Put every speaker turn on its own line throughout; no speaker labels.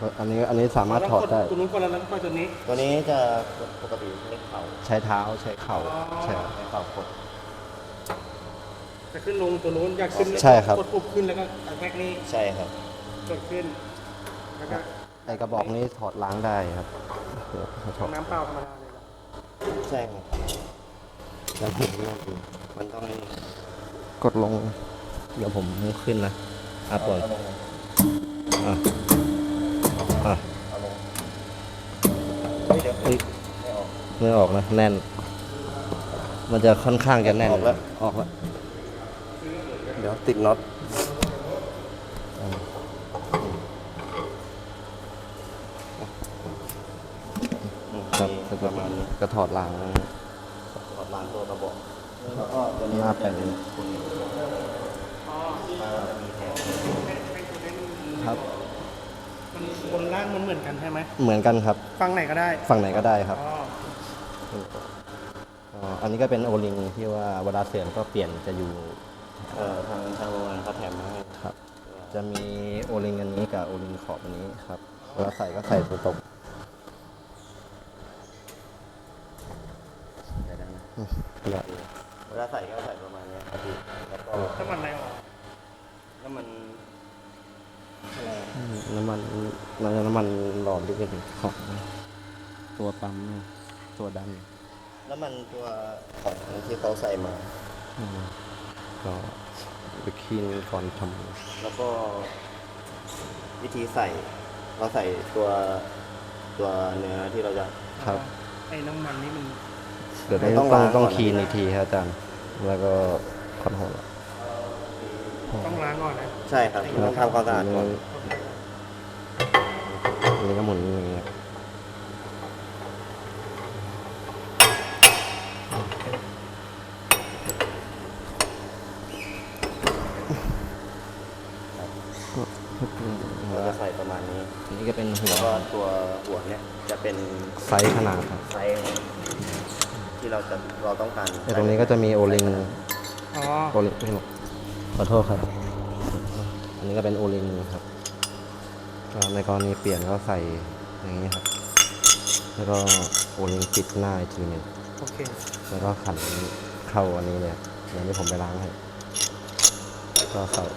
อันนี้สามารถถอดได้
ตัวนู้นคนละแล้วก็ตัวนี้
ตัวนี้จะปกติใช้เข่า
ใช้เท้าใช้เข่าใช่ครับ
ใช้เข่ากด
จะขึ้นลงตัวนู้นอยากขึ้น
ใช่ครับ
กดปุ๊บขึ้นแล้วก็แม็กนี่
ใช่ครับ
กดขึ้นแล้วก็
ไอกระบอกนี้ถอดล้างได้ครับถอด
น้ำเปล่าธรรมดาเลย
ใช่ครับแล้วถึงมันต้อง
กดลงเดี๋ยวผมขึ้นนะปวด
เอาลงเดี๋ยว
ไม่ออกนะแน่น มันจะค่อนข้างจะแน่น
ออกแล้ว
เดี๋ยวติดน็อตครับประมาณนี้ก็ถอดล้าง
ตัวกระบอกแล้วก็ตัวนี้
เป็นครับ
มันบนล่างมันเหมือนกันใช่ไหม
เหมือนกันครับ
ฝั่งไหนก็ได้
ครับอันนี้ก็เป็นโอลิงที่ว่าเวลาเสื่อมก็เปลี่ยนจะอยู่
ทางโรงงานเขาแถมมาให้
ครับจะมีโอลิงอันนี้กับโอลิงขอบอันนี้ครับเวลาใส่ก็ใส่ตัวตรง
เวลาใส่ก็ใส่ประมาณนี้ครับพี่แล้วก็
น้ำมันอะไรออก
น้ำมัน
หลอมที่เป็นของตัวปั๊มตัวดัน
น้ำมันตัวของที่เขาใส่มา
ก็ไปคีนก่อนท
ำแล้วก็วิธีใส่เราใส่ตัวเนื้อที่เราจะ
ครับ
ไอ้น้ำมันนี่มัน
เดี๋ยวต้องคีนอีกทีครับอาจารย์แล้วก็คอนโทรล
ต้องล้างก่อนนะ
ใช่ครับต้องทำความสะอาดก่อน
อันนี้ก็หมุนอย่างเงี้ย
เราจะใส่ประมาณนี้
อันนี้ก็เป็นหัว
แล้วก็ตัวหัวเนี่ยจะเป็น
ไซส์ขนาดครับ
ไซส์ที่เราต้องการ
ตรงนี้ก็จะมีโอลิงไม่หมดขอโทษครับอันนี้ก็เป็นโอลิงครับในกรณีเปลี่ยนก็ใส่อย่างนี้ครับแล้วก็โอลิงปิดหน้าอีกทีหนึ่ง
โอเค
แล้วก็ขันเข้าอันนี้เนี่ยอย่างที่ผมไปล้างให้ก็ใส่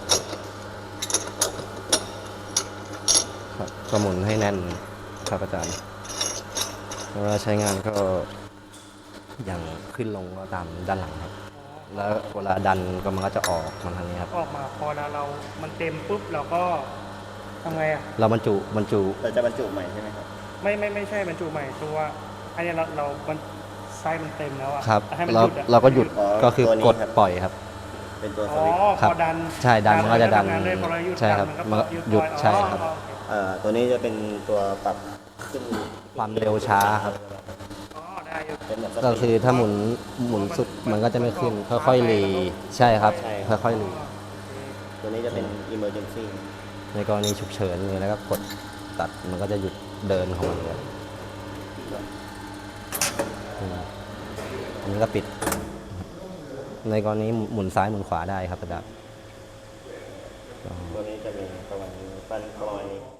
ครับก็หมุนให้แน่นครับอาจารย์เวลาใช้งานก็อย่างขึ้นลงก็ตามด้านหลังครับแล้วเวลาดันก็มันก็จะออกมาทางนี้ครับ
ออกมาพอแล้วมันเต็มปุ๊บเราก็ทำไงอ่ะ
เราบรรจุ
เราจะบรรจุใหม่ใช่ไหมครับ
ไม่ใช่บรรจุใหม่ตัวอันนี้เราไส้มันเต็มแล้วอ่ะ
ครับเราก็หยุดก็คือกดปล่อยครับ
เป็นตัวสวิตช์
ครับ
ใช่ดันมันก็จะดันใช่ครับมันหยุดใช่ครับ
ตัวนี้จะเป็นตัวปรับขึ้น
ความเร็วช้าครับก็คือถ้าหมุนสุดมันก็จะไม่ขึ้นค่อยๆรีใช่ครับค่อยๆรี
ตัวนี้จะเป็น emergency
ในกรณีฉุกเฉินนี่แล้วก็กดตัดมันก็จะหยุดเดินของมันเลยอันนี้ก็ปิดในกรณีหมุนซ้ายหมุนขวาได้ครับอาจารย์
ตัวนี้จะมีประมาณนี้